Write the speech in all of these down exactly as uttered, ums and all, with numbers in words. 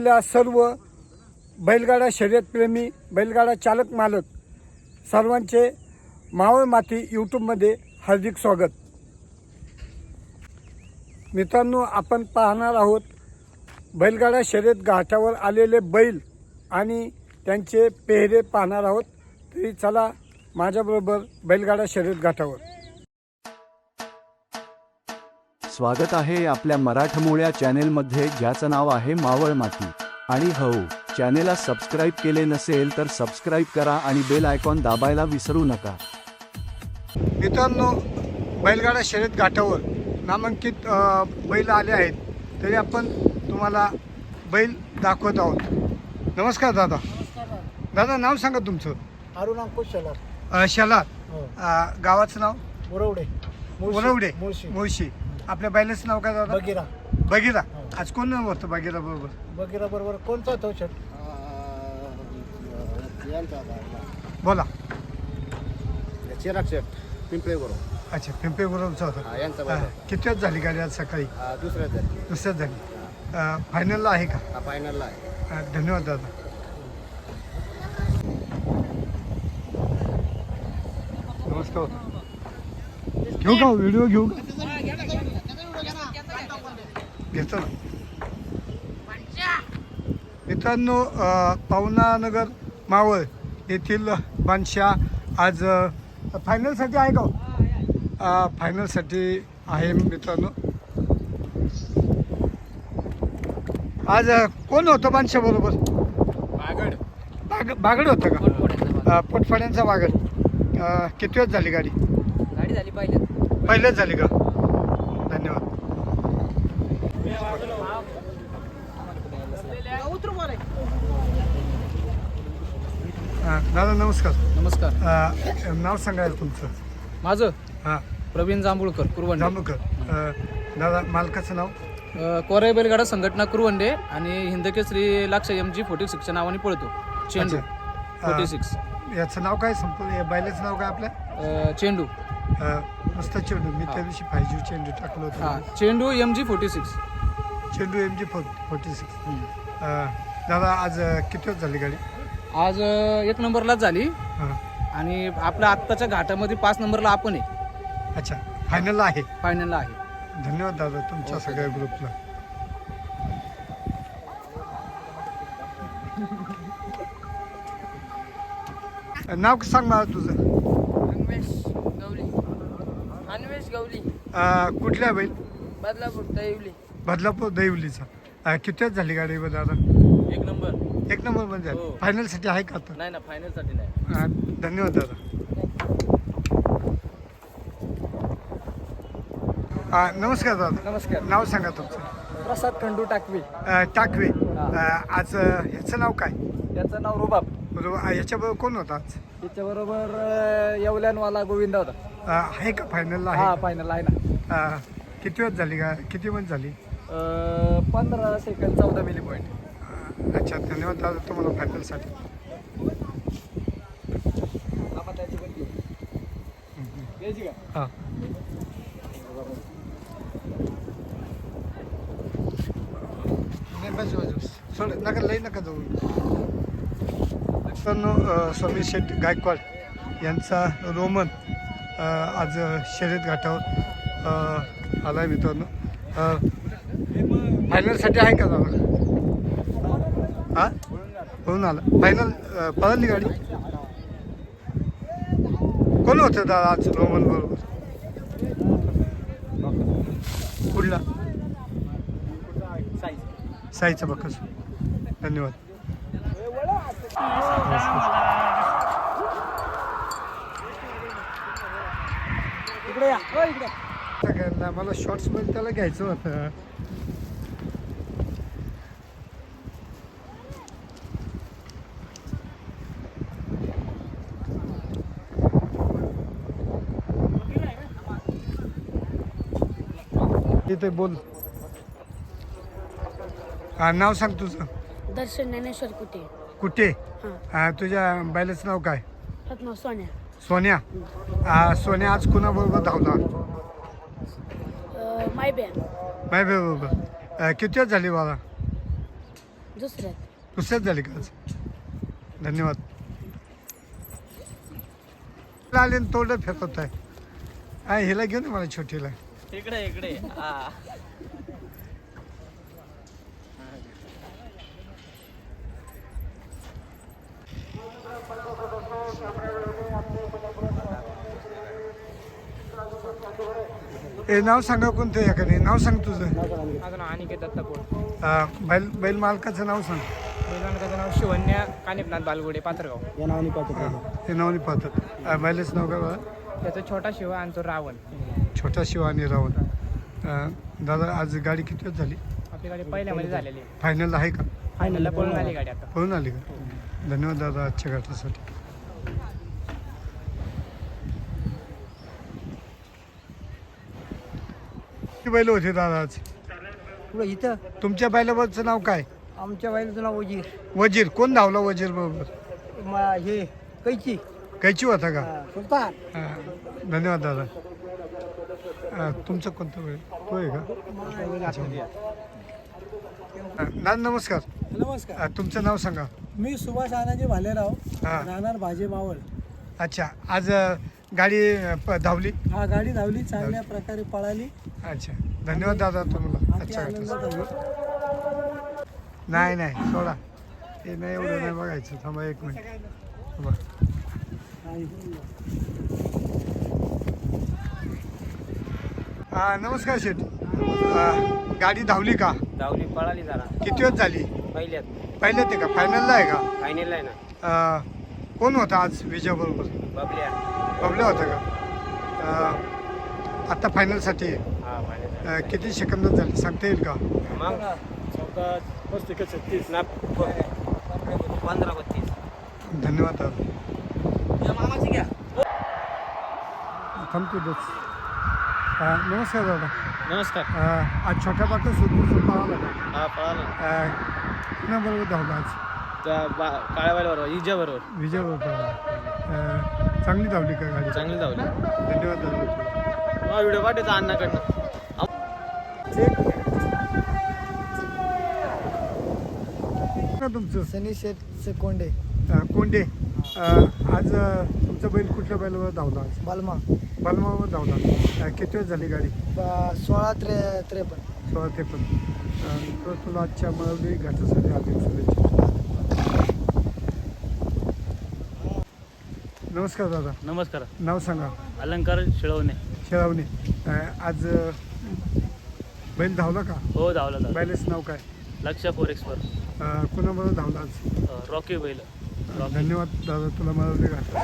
सर्व बैलगाडा शर्यतप्रेमी बैलगाडा चालक मालक सर्वांचे मावळ माती यूट्यूबमध्ये हार्दिक स्वागत. मित्रांनो, आपण पाहणार आहोत बैलगाडा शर्यत घाटावर आलेले बैल आणि त्यांचे पेहरे पाहणार आहोत. तरी चला माझ्याबरोबर बैलगाडा शर्यत घाटावर. स्वागत आहे आपल्या मराठमोळ्या चॅनेलमध्ये, ज्याचं नाव आहे मावळ माती. आणि हो, चॅनेलला सबस्क्राईब केले नसेल तर सबस्क्राईब करा आणि बेल आयकॉन दाबायला विसरू नका. मित्रांनो, बैलगाडा शर्यत घाटावर नामांकित अ, बैल आले आहेत. तरी आपण तुम्हाला बैल दाखवत आहोत. नमस्कार दादा. दादा, नाव सांगा तुमचं. अरुण अंकुश शेलार. अ, शेलार. हो. अ, गावाचं नाव वरवडे. वरवडे. मुळशी. मुळशी. आपल्या बैलाचं नाव काय दादा? बगिरा. बगिरा. आज कोण होतं बगिरा बरोबर? बगिरा बरोबर कोणता तो शर्ट? बोला. चिराग शेट पिंपळे बरोबर. अच्छा, पिंपे बरोबरचा हा, होता. यांचा अ, बरोबर. किती वेळ झाली गाडी आज सकाळी? दुसऱ्याच झाली. दुसऱ्याच झाली. अ, फायनलला आहे का? हा फायनलला आहे. अ, धन्यवाद दादा. नमस्कार. घेऊ का व्हिडिओ? घेऊ का? घेतो ना. मित्रांनो, अ, पावनानगर मावळ येथील बादशाह आज अ, फायनलसाठी आहे का? अ, फायनलसाठी आहे मित्रांनो. आज अ, कोण होतं बादशाह बरोबर? बागड. बाग बागड होतं का? अ, पोटफड्यांचा बागड. अ, किती वेळ झाली गाडी? गाडी झाली पहिल्यात. पहिलेच झाली का? धन्यवाद. हा, दादा नमस्कार. नमस्कार. अ, नाव सांगायला तुमचं. माझं हां, प्रवीण जांभूळकर, कुरवंडे. जांभूळकर. अ, दादा, मालकाचं नाव? अ, कोराई बैलगाडा संघटना कुरवंडे आणि हिंदकेसरी लाक्ष एम जी फोर्टी सिक्सच्या नावाने पळतो. चेंडू अच्छा. फोर्टी अ, सिक्स. याचं नाव काय? संपूर्ण या बैलाचं नाव काय आपल्या? अ, चेंडू. अ, नुसतं चेंडू. मी हा. त्या दिवशी फाय जी चेंडू टाकलं हा, होतं. चेंडू एम जी फोर्टी सिक्स. चेंडू M G four forty six. दादा, आज अ, किती वेळ झाली गाडी? आज अ, एक नंबरलाच झाली हां. आणि आपल्या आत्ताच्या घाटामध्ये पाच नंबरला आपण आहे. अच्छा, फायनलला आहे. फायनलला आहे. धन्यवाद दादा तुमच्या ओके. सगळ्या ग्रुपला. नाव सांग मला तुझं. अन्वेष गवली. अन्वेष गवली. अ, कुठल्या बैल? बदलापूर दैवली. बदलापूर दैवलीचा. अ, किती वेळ झाली गाडी बरं दादा? एक नंबर. एक नंबर मध्ये झाली. हो. फायनलसाठी आहे का आता? नाही ना, फायनलसाठी नाही. अ, धन्यवाद दादा. अ, नमस्कार दादा. नमस्कार. नाव सांगा तुमचं. प्रसाद खंडू टाकवी. अ, टाकवे. अ, आज अ, ह्याचं नाव काय? त्याचं नाव रुबाब. बरोबर. अ, याच्याबरोबर कोण होता आज? त्याच्याबरोबर येवल्यानवाला गोविंदा होता. अ, आहे का फायनलला? हा, आहे. फायनल आहे ना. अ, किती वेळ झाली का? किती वेळ झाली? अं, पंधरा सेकंद चौदा मिली पॉईंट. अ, अच्छा, धन्यवाद दादा तुम्हाला फायनलसाठी. हां. नाही, बस बस बस. सोड नका, लई नका जाऊ. मित्रांनो, अ, स्वामी शेठ गायकवाड यांचा रोमन अ, आज शर्यत घाटावर अ, आला आहे मित्रांनो. अ, फायनलसाठी आहे का दादा? हां, होऊन आला. फायनल अ, पळाली गाडी. कोण होतं दादा आज रोमन बरोबर? कुठला? साईचा बक्कस. धन्यवाद. इकडे या. हो, इकडे. सगळ्यांना मला शॉर्ट्स मध्ये त्याला घ्यायचं होतं. इथे बोल. हा, नाव सांग तुझं. दर्शन ज्ञानेश्वर कुठे? कुठे? हां. हा, तुझ्या बैलाचं नाव काय? रत्न सोन्या. सोन्या. हा, सोन्या आज कुणाबरोबर धावला? माय बॅन. माय बरोबर. किती वेळ झाली बाबा? दुसऱ्यात दुसऱ्याच झाली का आज धन्यवाद आले तोंड फेकवत आहे हा हिला घेऊन ये मला छोटीला इकडे इकडे हे नाव सांगा कोणतं एखादे नाव सांग तुझं माझं नाव अनिकेत दत्तापूर हा, बैल बैल मालकाचं नाव सांग बैलांचं नाव शिवन्या कानिपनाथ बालगुडे पात्रगाव या नावाने पाहतो ते नाव नाही पाहतात बैलाचं नाव काय बघा त्याचा छोटा शिव आणि तो रावण छोटा शिव आणि रावण अं, दादा आज गाडी किती वेळ झाली आपली गाडी पहिल्यामध्ये झालेली आहे फायनल आहे का फायनलला पळून आली गाडी आता पळून आली का धन्यवाद दादा आजच्या घाटासाठी किती बैल होते दादा आज पुढे इथं तुमच्या बैलावरचं नाव काय आमच्या बाईचं नाव वजीर वजीर कोण धावला वजीर बरोबर म- हे कैची कैची होता का सुलतान हा, धन्यवाद दादा हा, तुमचं कोणतं बैल तो आहे का अच्छा. हा, दादा नमस्कार नमस्कार हा, तुमचं नाव सांगा मी सुभाष आनाजी भालेराव हा. राहणार भाजे मावळ अच्छा आज अ, गाडी अ, प- धावली हा गाडी धावली चांगल्या प्रकारे पळाली अच्छा धन्यवाद दादा तुम्हाला अति अच्छा आनंद झाला नाही नाही सोडा ते नाही एवढं नाही बघायचं थांबा एक मिनिट थांबा. हा नमस्कार शेठ अ, गाडी धावली का धावली पळाली जरा किती वेळ झाली पहिल्यात पहिल्यात आहे का फायनलला आहे का फायनल आहे ना अ, कोण होता आज विजयाबरोबर बबल्या बबल्या होता का अ, आता फायनलसाठी आहे. हा फायनल अ, किती सेकंदात झाली सांगता येईल का मग चौदा पस्तीस छत्तीस ना पंधरा बत्तीस धन्यवाद दादा मामाची घ्या थांबतो बस अ, नमस्कार दादा नमस्कार अ, आज छोट्या बाटं सुरू सुरू आला का हा पळाला कुणाबरोबर धावला आज काळ्या बरोबर इजा बरोबर विजय होता अ, चांगली धावली का गाडी चांगली धावली धन्यवाद दादा व्हिडिओ पाठवायचा अण्णाकडनं का तुमचं सनी शेठ कोंडे अ, कोंडे अ, आज अ, तुमचा बैल कुठल्या बैलावर धावला आज बालमा बलमावर धावला अ, किती वेळ झाली गाडी ब- सोळा त्रे त्रेपन्न सोळा ते पण अ, तर तुला आजच्या मळवली घाटासाठी हार्दिक शुभेच्छा नमस्कार दादा नमस्कार नाव सांगा अलंकार शिळवणे शेळावणी अ, आज अ, बैल धावला का हो धावला धावला बैलेच नाव काय लक्ष फोरेक्सवर अ, कुणाबरोबर धावला आज रॉकी बैल धन्यवाद दादा तुला मळवली घाटासाठी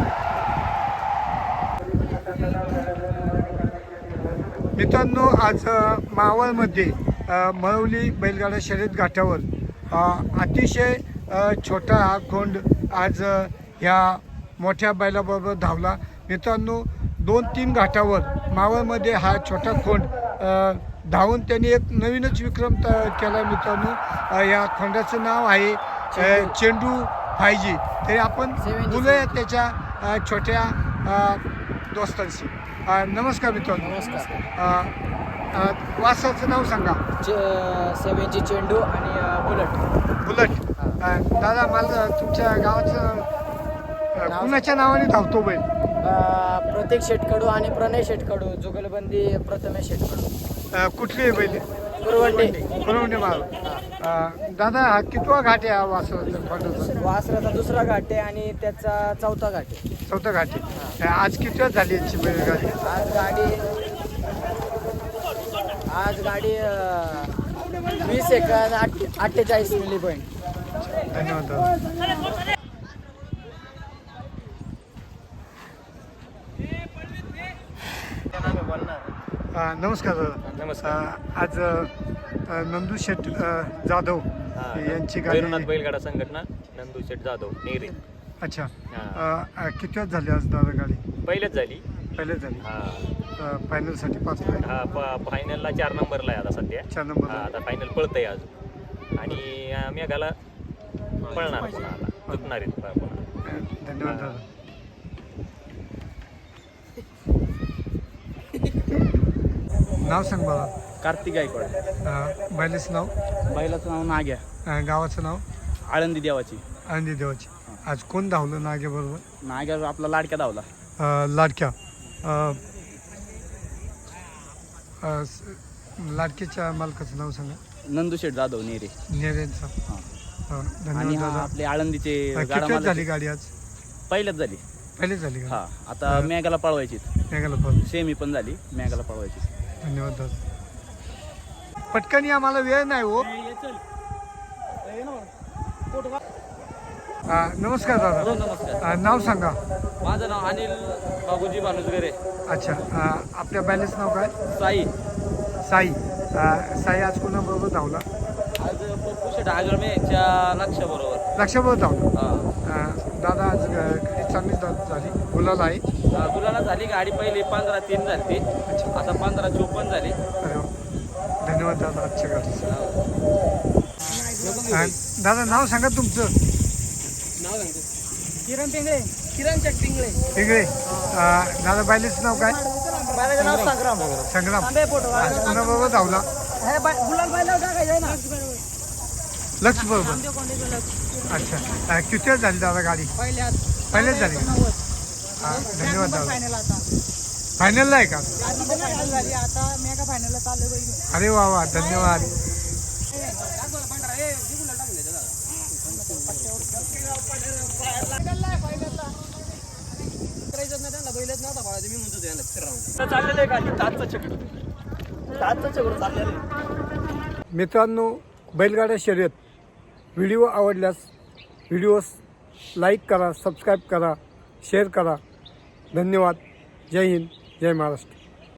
मित्रांनो आज अ, मावळमध्ये अ, मळवली बैलगाडा शर्यत घाटावर अ, अतिशय अ, छोटा हा खोंड आज अ, ह्या मोठ्या बैलाबरोबर धावला मित्रांनो दोन तीन घाटावर मावळमध्ये हा छोटा खोंड अ, धावून त्यांनी एक नवीनच विक्रम त केला मित्रांनो अ, या खोंडाचं नाव आहे अ, चेंडू फायजी तरी आपण बोलूया त्याच्या अ, छोट्या अ, दोस्तांशी अ, नमस्कार मित्रांनो नमस्कार अ, अ, वासाचं नाव सांगा सेवेची चेंडू आणि बुलेट बुलट अ, दादा मला तुमच्या गावाचं अ, कुणाच्या नावाने धावतो बैल प्रतीक शेटकडू आणि प्रणय शेटकडू जुगलबंदी प्रथमेश शेटकडू अ, कुठली आहे बैल कुरवंडी परवंडे माल अ, दादा हा कितवा घाट आहे हा वासाचा खोंडाचा वासराचा दुसरा घाट आहे आणि त्याचा चौथा घाट आहे चौथा घाट आहे अ, आज किती वेळ झाली याची बैलगाडी आज गाडी आज गाडी अं, वीस सेकंद आठ अठ्ठेचाळीस मिली पॉईंट धन्यवाद दादा अ, नमस्कार दादा नमस्कार अ, आज अ, नंदू शेठ अ, जाधव यांची भैरवनाथ गाडी बैलगाडा संघटना नंदू शेठ जाधव नेरे अच्छा हा. अ, अ, किती वेळ झाली आज दादा गाडी पहिलेच झाली पहिले झाली हा फायनलसाठी पाच फायनल हा प- फायनलला चार नंबरला आहे आता सध्या चार नंबर हा आता फायनल पळतंय अजून आणि अं, मेघाला पळणार पुन्हा आता चुकणार आहेत प- पुन्हा धन्यवाद दादा नाव सांग मला कार्तिक गायकवाड अ, बैलाचं नाव बैलाचं नाव नाग्या अ, गावाचं नाव आळंदी देवाची आनंदी देवाची. आज कोण धावलं नाग्याबरोबर? नाग्या आपला लाडक्या धावला. अं, लाडक्या अं, अं, स- लाडक्याच्या मालकाचं नाव सांगा. नंदू शेठ जाधव नेरे. नेरेंचा. हां. हां, आणि धन्यवाद हा दादा. आपले आळंदीचे अं, गाडा किती वेळ झाली मालक गाडी आज? पहिल्याच झाली. पहिली झाली हा का? आता हा. मेघाला पळवायची. मेघाला पण सेमी पण झाली, मेघाला पळवायची. धन्यवाद दादा. पटकन आम्हाला वेळ नाही हो. अं, नमस्कार दादा. नमस्कार. अं, नाव सांगा. माझं नाव अनिल बाबूजी भानुसगरे. अच्छा. अं, आपल्या बॅलेन्स नाव काय? साई. साई. अं, साई आज कोणाबरोबर धावला? आज पप्पू शेठ आगळमे यांच्या लक्षाबरोबर. लक्षाबरोबर धावला. हा. अं, दादा आज ग- गाडी चांगली धा- झाली. गुलाल आहे. गुलाला झाली गाडी पहिली पंधरा तीन झाली. आता पंधरा चोपन्न झाली. अरे वा. धन्यवाद दादा आजच्या गाडीचं. अं, दादा नाव सांगा तुमचं. किरण पिंगळे. किरण शेट पिंगळे. वेगळे. अं, दादा बॅलेन्स नाव काय? बायलाचं नाव संग्राम. संग्राम. तांबे फोटो. आज कोणाबरोबर धावला? हे बाय- गुलाल बायला टाकायचं आहे ना. लक्ष बरोबर. अच्छा. अं, किती वेळ झाली दादा गाडी? पहिल्यात पहिलेच झाली का? हां, धन्यवाद दादा. फायनल आता. फायनलला आहे का? आधी पण फायनल झाली आता मेगा फायनलला चालू आहे. अरे वा वा, धन्यवाद. मित्रांनो, बैलगाड्या शर्यत व्हिडिओ आवडल्यास व्हिडिओस लाईक करा, सबस्क्राईब करा, शेअर करा. धन्यवाद. जय हिंद, जय महाराष्ट्र.